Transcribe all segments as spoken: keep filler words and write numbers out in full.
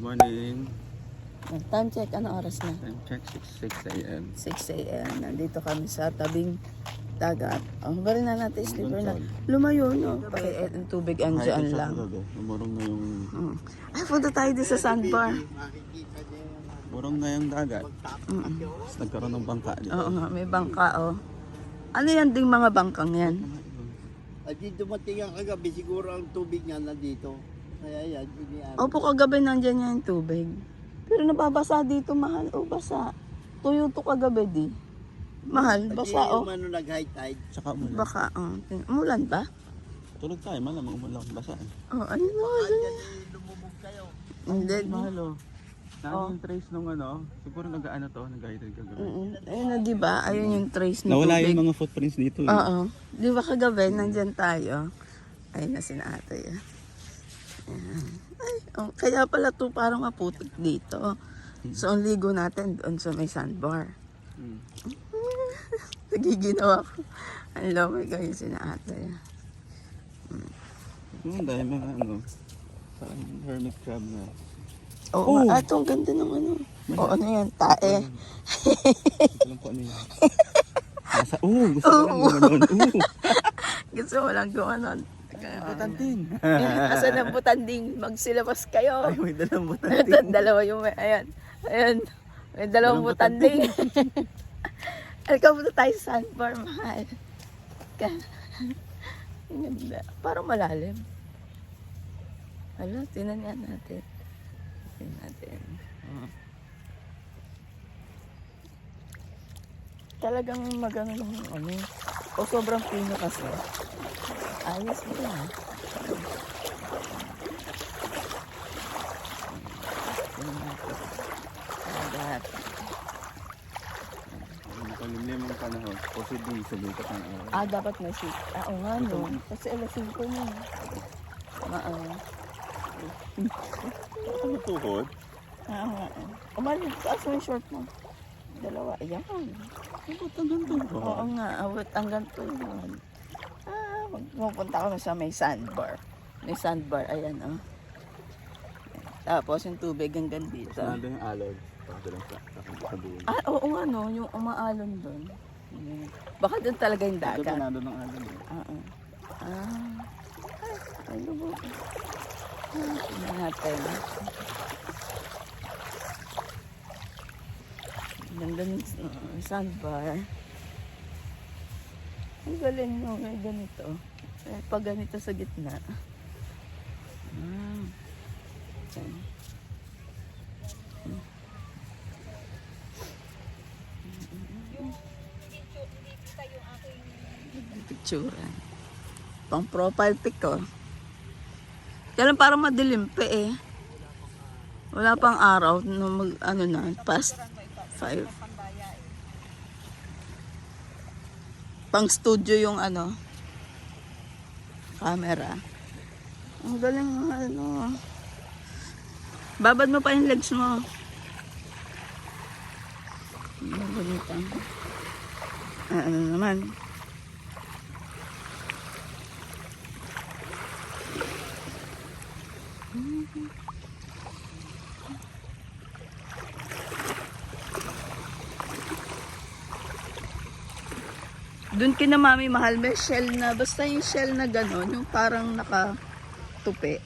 morning. Time check, ano oras na? Time check, six a m six a m Nandito kami sa tabing dagat. Oh, bari na natin slipper na. Doon, Lumayo, no? Paki ang tubig andyan lang. Umurong na yung... Mm. Ay, punta tayo din sa sandbar. Umurong na yung dagat. Mm. Tapos nagkaroon ng bangka dito. Oo nga, may bangka, oh. Ano yan ding mga bangkang yan? At di dumating ang kagabi, siguro ang tubig niya nandito. Kaya yan, iniano. Opo, kagabi nandyan yan yung tubig. Pero nababasa dito, mahal. O, basa. Tuyo to kagabi, di. Mahal, basa, At di oh. yung ano nag-high tide. Tsaka umulan. Baka, oh. tin- Umulan ba? Tulog tayo, malamang umulan. Basa. Oh, ano mo? Andyan eh, lumubog kayo. Hindi. Mahal oh. Saan Oh. yung trace nung ano? Siguro nag-ano to, nag-guided kagabi. Mm, ayun na, di ba? Ayun yung trace ng Nawala tubig. yung mga footprints dito. eh. Oo. Di ba kagabi, nandyan tayo. Ayun na sinatay. Ayan. Ay, oh, kaya pala to parang maputik dito. So, ang ligo natin doon sa may sandbar. Hmm. Nagiginawa ko. Ang lamay kayo sinatay. Yung dahil mga ano, parang hermit crab na. Oo, Oh! oh. Ato, ang ganda ng ano. O, ano yan? Tae. Alam ko ano yun. Nasa, oh, gusto ko lang gumanon. Oh, Gusto mo lang gumanon. butantin. Asan ang butanding? Magsilabas kayo. Ay, may dalang butantin. Dalawa yung may, ayan. Ayan. May dalawang Dalawang butanding. Alika punta tayo sa sandbar, mahal. Ka. Ang ganda. Parang malalim. Hala, tinan nga natin. Tinan natin. Oh. Talagang magano lang yung ano. O sobrang pino kasi. Ayos mo yan. Tinan natin. Dagat. Makalimlim ang panahon. Possibly, sumikat ang araw. Ah, dapat may seat. Ah, oo nga, no. Kasi alas singko na. Oo. Ano tuhod? Ah, oo nga. Umalis, taas mo yung short mo. Dalawa, ayan. Bakit hanggang tuhod? Oo nga, awit hanggang tuhod. Ah, magpupunta kami sa may sandbar. May sandbar, ayan, oh. Tapos yung tubig hanggang dito. Nandun yung alog. Baka lang sa sa dulo. Ah, oo nga, no. Yung umaalon doon. Ayan. Baka doon talaga yung Ito dagat. nandun ng alog. eh. Oo. Ah. Ay, ano ba? Ah, tingnan natin. Ganda ng uh, sandbar. Ang galing mo, may ganito. Eh, pag ganito sa gitna. Ah. Okay. Picture. Pang profile pic ko. Kaya lang parang madilim pa eh. Wala pang araw no mag ano na past five. Pang studio yung ano camera. Ang galing ng ano. Babad mo pa yung legs mo. Ang ganito. Ah, ano naman. Doon kina mami mahal may shell na basta yung shell na gano'n yung parang nakatupi.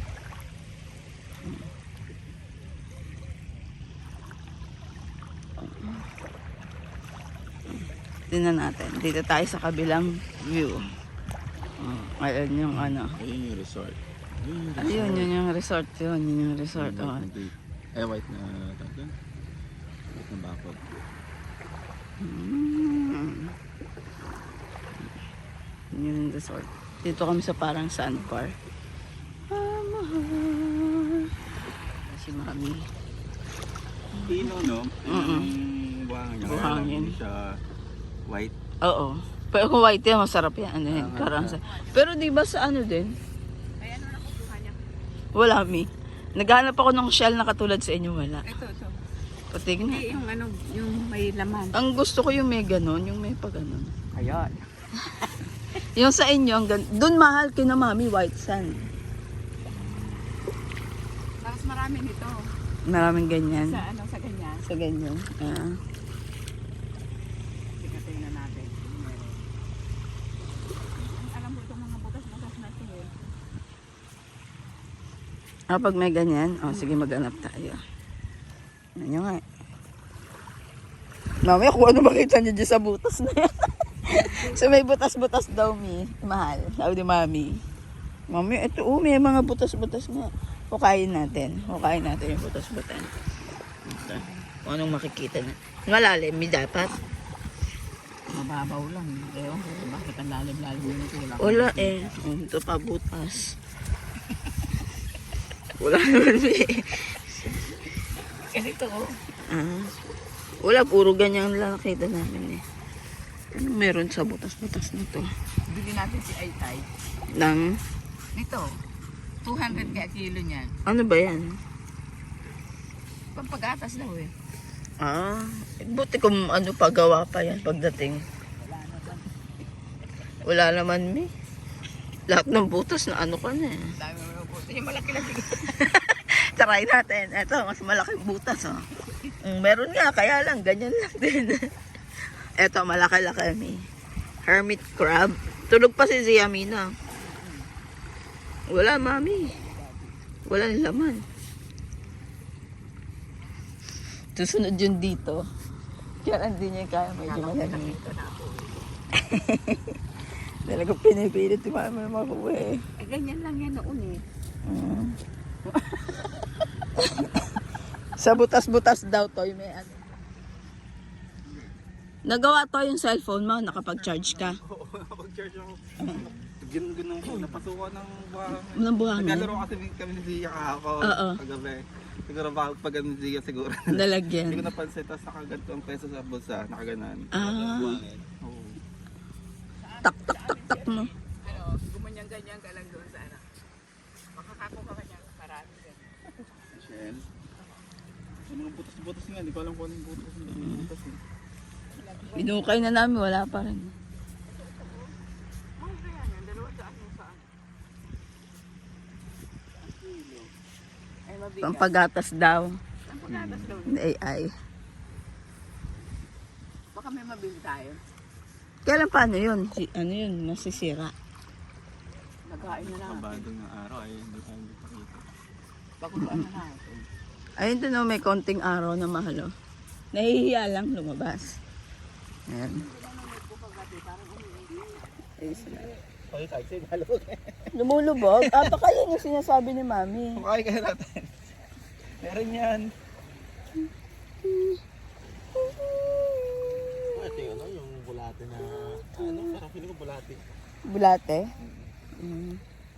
Tingnan natin. Dito tayo sa kabilang view. Oh, ayun yung ano. Ayun yung resort. Ayun yung resort. Ayun yun yung resort yun. Yun yung resort. White Oh. na gate. Eh, white na tawag doon. White na bakod. Mm. Yun yung resort. Dito kami sa parang sandbar. Ah, mahal. Si mami. Pino, no? Mm-mm. Yung buhangin niya. Buhangin. Hindi siya white. Oo. Pero kung white yan, masarap yan. Ano yan? Ah, Karang sa... Pero di ba sa ano din? Wala, mi. Naghanap ako ng shell na katulad sa inyo, wala. Ito, ito. Patignan. Hindi, yung ano, yung may laman. Ang gusto ko yung may ganon, yung may pa ganon. Ayan. Yung sa inyo, ang gan- doon mahal kina mami, white sand. Tapos marami nito. Maraming ganyan. Sa ano, sa ganyan. Sa ganyan. Ah. Tingnan natin. Meron. Alam mo itong mga butas-butas na ito eh. Ah, pag may ganyan, oh, sige maghanap tayo. Ano nga. Mamaya kung ano makita niyo dyan sa butas na yan. So may butas-butas daw, mi. Mahal. Sabi ni mami. Mami, ito, oh, may mga butas-butas nga. Hukayin natin. Hukayin natin yung butas-butas. Ito. Kung anong makikita na. Malalim, mi dapat. Mababaw lang. Ewan ko, bakit ang lalim-lalim yun ito? Wala. Wala eh. Oh, ito pa butas. Wala naman, mi. Kasi ito, oh. Ah. Wala, puro ganyan lang nakita namin eh. Anong meron sa butas-butas nito? Bili natin si Aytay. Nang, Nito, two hundred kaya kilo niyan. ano ba yan? Pampagatas daw eh. Ah, buti kung ano pagawa pa yan pagdating. Wala naman, mi. Lahat ng butas na ano ka na eh. Dami mo yung puto. Yung malaki lang. Try natin. Ito, mas malaking butas oh. Mm, meron nga, kaya lang, ganyan lang din. Ito, malaki-laki, mi. Hermit crab. Tulog pa si Ziamina. Wala, mami. Walang laman. Susunod yun dito. Kaya hindi niya kaya medyo malamig. Talagang pinipilit si mami makuha eh. Eh, ganyan lang yan noon eh. Mm. Sa butas-butas daw to, may ano. Nagawa to yung cellphone mo, nakapag-charge ka. Oo, nakapag-charge ako. Ganun ganun po, napasukan ng buhangin. Ng buhangin? Naglalaro kasi kami ni Zia kahapon. Oo. Kagabi. Siguro baka pag ano ni Zia siguro. Hindi ko Nalagyan. napansin, tapos nakaganto ang peso sa bulsa, nakaganan. Ah, Oo. tak tak tak tak mo. Ano, gumanyan-ganyan ka lang doon sa ano. Makakako ka kanya. Marami ganyan. Shell. Yung mga butas-butas nga, hindi ko alam kung anong butas yung butas eh. Binukay na namin, wala pa rin. Oh, kaya yan. Dalawa saan yung saan. Ay, mabigat. Pampagatas daw. Ang pagatas daw. Ng A I. Baka may mabili tayo. Kailan paano yun? Si, ano yun? Masisira. Nagkain na natin. Kabadong ng araw ay hindi tayo makita. Bakulaan na natin. Ayun doon, oh, may konting araw na mahalo. Nahihiya lang lumabas. Ayan. Ayun sila. Okay, tayo sa ibalog. Lumulubog? Ah, baka yun yung sinasabi ni Mami. Okay, kaya natin. Meron yan. Ito yung ano, yung bulate na, ano, parang feeling ko bulate. Bulate? Mm.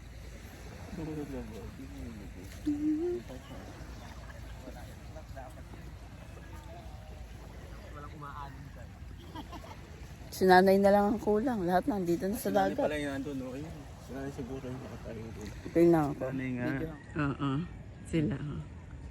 Si nanay na lang ang kulang. Lahat nandito na sa Sinali dagat. pala yung nandun, no? Ayun. Sinali siguro yung nakatayo doon. Tingnan ko. Sinali nga. Oo. Sila. oh.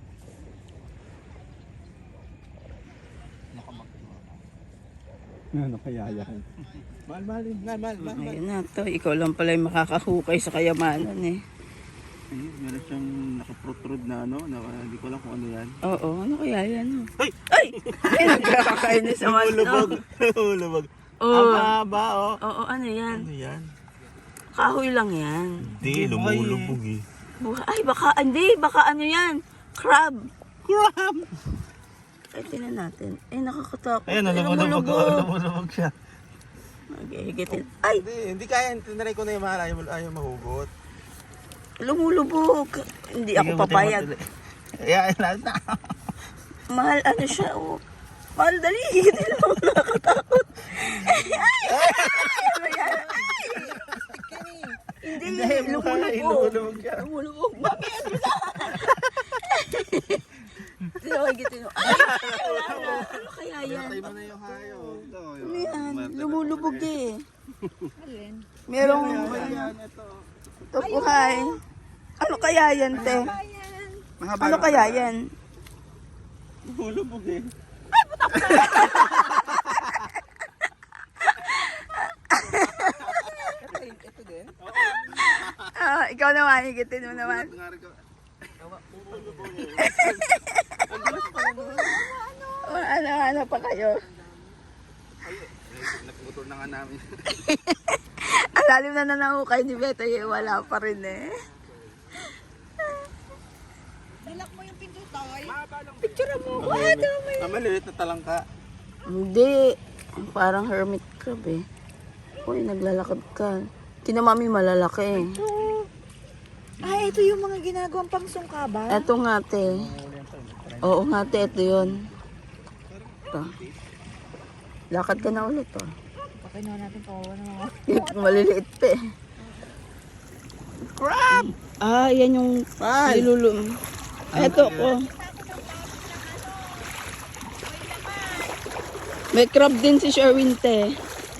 Ano kaya yan? Mahal, mahal, mahal, mahal, mahal. Ayun na to. Ikaw lang pala yung makakahukay sa kayamanan eh. Ayun, meron siyang nakaprotrud na ano, na, hindi ko alam kung ano yan. Oo. Ano kaya yan? Oh? Ay! Ay! Ay! Nagkakainis naman. Hulubog! No? Hulubog! Oo. Aba, oh! Oo. Ano yan? Ano yan? Kahoy lang yan. Hindi, lumulubog eh. Buha- Ay, baka, hindi, baka ano yan? Crab. Crab! Ay, tinan natin. Ay, nakakatakot. Ayun, Ay, lumulubog, lumulubog. oh, lumulubog siya. Maghihigitin. Ay, Hindi, hindi kaya, tinry ko na yung mahal, ayaw, ayaw mahugot. lumulubog. Hindi ako papayag. Kaya, lahat na. Mahal, ano siya, oh. Mahal, dali. Higitin mo, nakakatakot. Ay, ay, ay, ano yan? Ay. Hindi, lumulubog. lumulubog siya. Lumulubog. Mami, ano na? Tinawagitin mo. Ay, wala na. Ano kaya yan? Patay mo na yung hayo. Ito, Ano yan? Lumulubog eh. Alin? Merong, Ano ano, yan, ito. ito po kay. Ano kaya yan, te? Mahaba Ano na- kaya yan? Lumulubog eh. Ito din. Ah, ikaw naman, higitin mo naman. Nga rin ko. Lumulubog eh. O, ano, ano pa kayo? Nagmotor na nga namin. Ang lalim na nanahukay ni Beto, eh, wala pa rin eh. Nilak mo yung pinto, Toy. Picture mo ko, ito may... Ah, maliit na talangka. Hindi, parang hermit crab eh. Uy, naglalakad ka. Tina mami malalaki. Ah, ito yung mga ginagawang pangsungka ba? Eto nga te. Oo nga te, ito yun. Ito. Lakad ka na ulit oh. Pakinuha natin po. Ano? Maliliit pa eh. Crab! Ah, yan yung nilulum. Eto ko. May crab din si Sherwin te.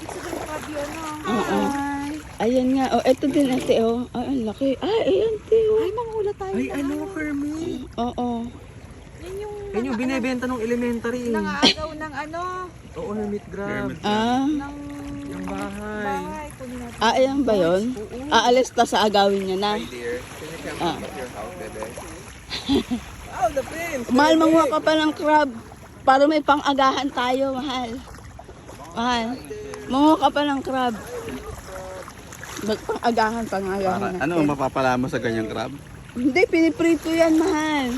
Oo. Ayan nga. Oh, eto din ate oh. Ay, ang laki. Ay, ayan te oh. Ay, manghula tayo. Ay, ano, Hermie? Oo. Yan yung Yan yung binibenta ng elementary. nangaagaw ng ano, Oo, hermit grab. Ah. ng Yung bahay. bahay. Kunin natin. Ah, ayan ba yun? Aalis ta sa agawin niya na. Dear, can you come Ah. to your house, bebe? Oh, the prince! Mahal, manguha ka pa ng crab. Para may pang-agahan tayo, mahal. Mahal. Manguha ka pa ng crab. Mag- Pang-agahan, pang-agahan. Para, natin. ano, mapapala mo sa ganyang crab? Hindi, piniprito yan, mahal.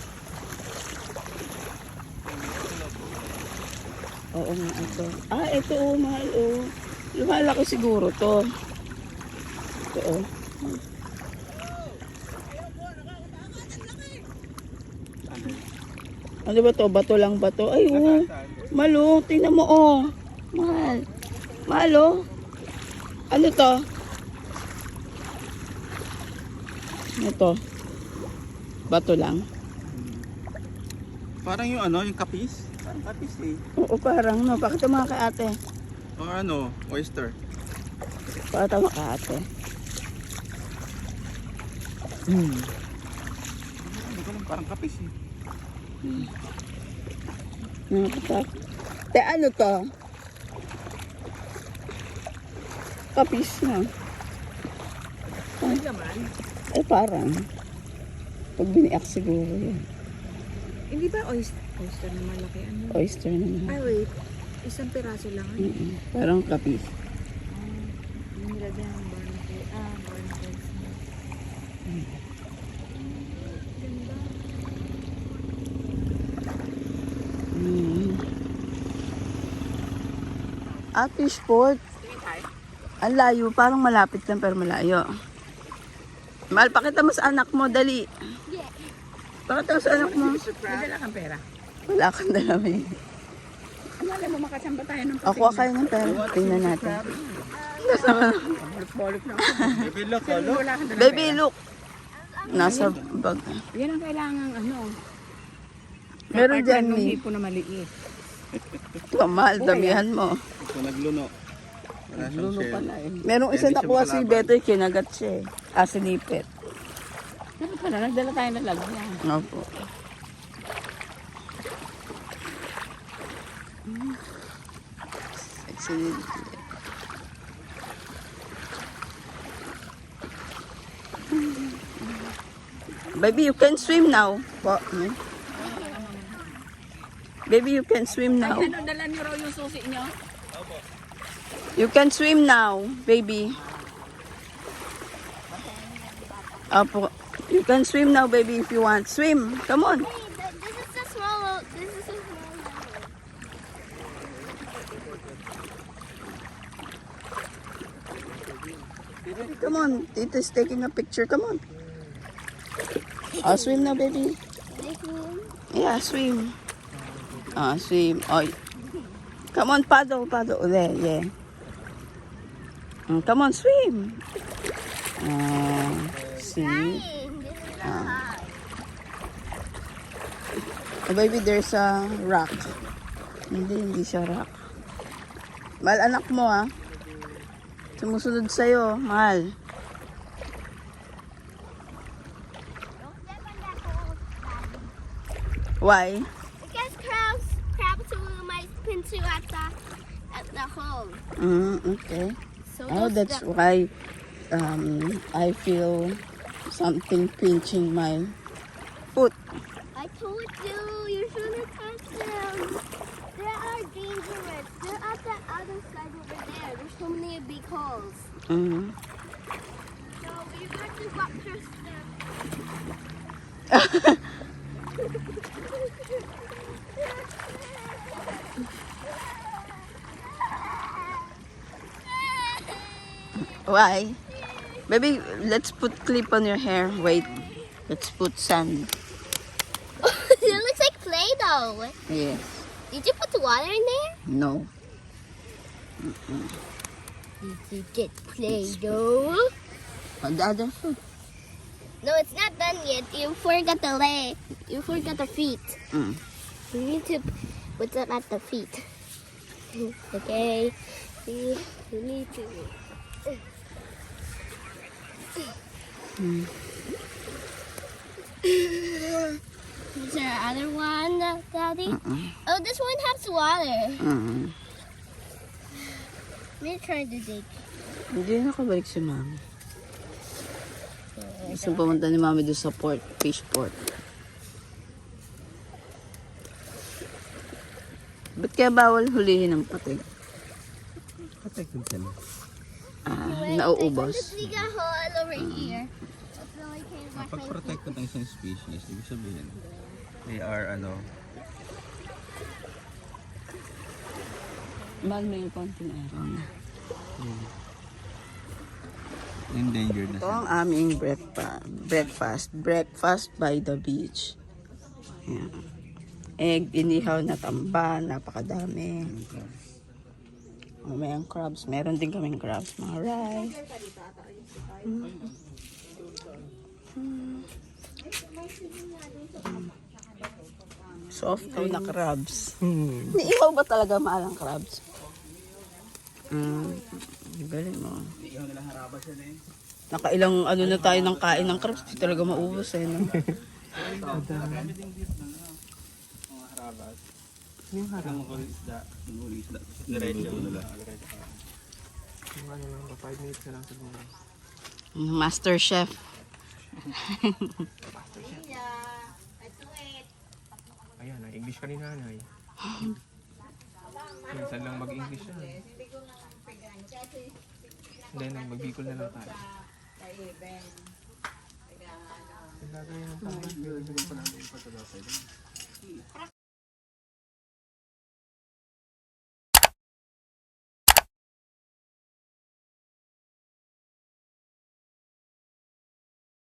Oo nga, ito. Ah, ito, oh, mahal, oh. Lumalaki siguro to. Ito, oh. Ano ba to? Bato lang ba to? Ay, oh. Malo, tingnan mo, oh. Mahal. Mahal, oh. Ano to? Ito. Bato lang. Parang yung ano, yung kapis? Parang kapis eh. Oo, parang, no. Pakita mo kay ate. O ano, oyster. Pakita mo kay ate. Hmm. Ano ko lang, parang kapis eh. Nakatak. Te, ano to? Kapis na. Ay naman. Ay, parang. Pag biniak siguro yun. Hindi ba oyster? Oyster na malaki ano? Oyster naman. Ay, wait. Isang piraso lang. Ano? Mm-mm. Parang kapis. Yung nilagyan ng barnacle. Ah, barnacle snack. Ganda. Mm. Ah, fishport. Ang layo. Parang malapit lang pero malayo. Mahal, pakita mo sa anak mo. Dali. Pakita mo sa anak mo. Madala kang pera. Wala kang dalawi. Alam mo, makasamba tayo ng Ako kayo ng pera. Tingnan natin. balik na. Baby, look, oh, look. Wala kang dalang Baby, pera. look. Nasa bag. Yan ang kailangan ano. Meron Part dyan, ng Mi. hipo na maliit. Kamal, damihan mo. Ito, nagluno. Wala siyang shell. Merong isa Hindi na siya kuha si makalaban. Beto, kinagat siya eh. Ah, sinipit. Dapat pala, nagdala tayo ng lagyan. Opo. Excellent. Baby, you can swim now. Po. Hmm? Baby, you can swim now. Ano, dala niyo raw yung susi niyo? You can swim now, baby. Apo. You can swim now, baby, if you want. Swim. Come on. Hey, but this is a small. This is a small number. Come on. Tita's taking a picture. Come on. Oh, swim now, baby. This one. Yeah, swim. Ah, swim. Oh. Come on, paddle, paddle. There, yeah. Mm, come on, swim. Ah, see? This is a hot. Oh, baby, there's a rock. Hindi, hindi siya rock. Mahal, anak mo, ah. Sumusunod sa'yo, mahal. Don't step on that hole, Daddy. Why? Because crabs, crabs will might pinch you at the at the hole. Mm, okay. So Oh, don't that's step- why um, I feel something pinching my foot. I I told you, you shouldn't touch them. They are dangerous. They're at the other side over there. There's so many big holes. Mm. So we have to walk past them. Why? Baby, let's put clip on your hair. Wait. Let's put sand. It looks like Play-Doh. Yes. Did you put water in there? No. Did you get Play-Doh? On the other foot. No, it's not done yet. You forgot the leg. You forgot the feet. Mm. You need to put them at the feet. Okay. You, you need to. Mm. Is there other one, Daddy? Mm-mm. Oh, this one has water. Mm. We're trying to dig. Hindi na nakabalik si Mami. Gusto pumunta ni Mami doon sa port, fish port. Ba't kaya bawal hulihin ng patig? Protected sila. Ah, Wait, nauubos. Let's dig a hole over here. That's all I can wash Pag my protected ng isang species, ibig sabihin, they are ano, Mahal mo yung konting aron. endangered na Ito sila. ang aming breakfast. Breakfast. Breakfast by the beach. Yan. Egg, inihaw na tamba, napakadami. May ang crabs. Meron din kaming crabs. Mga rice. Mm. Mm. Soft na crabs. Ihaw ba talaga mahal ang crabs? Mm. Galing mo. Nakailang ano na tayo ng kain ng crabs. Di talaga maubos eh. No? Yung harang ko isda, yung huli isda. Diretso na lang. Yung ano lang ba, five minutes na lang siguro. Master Chef. Ayan, na English ka ni nanay. Minsan lang mag-English siya. Hindi, nang mag-Bicol na lang tayo. Ilagay ng tama.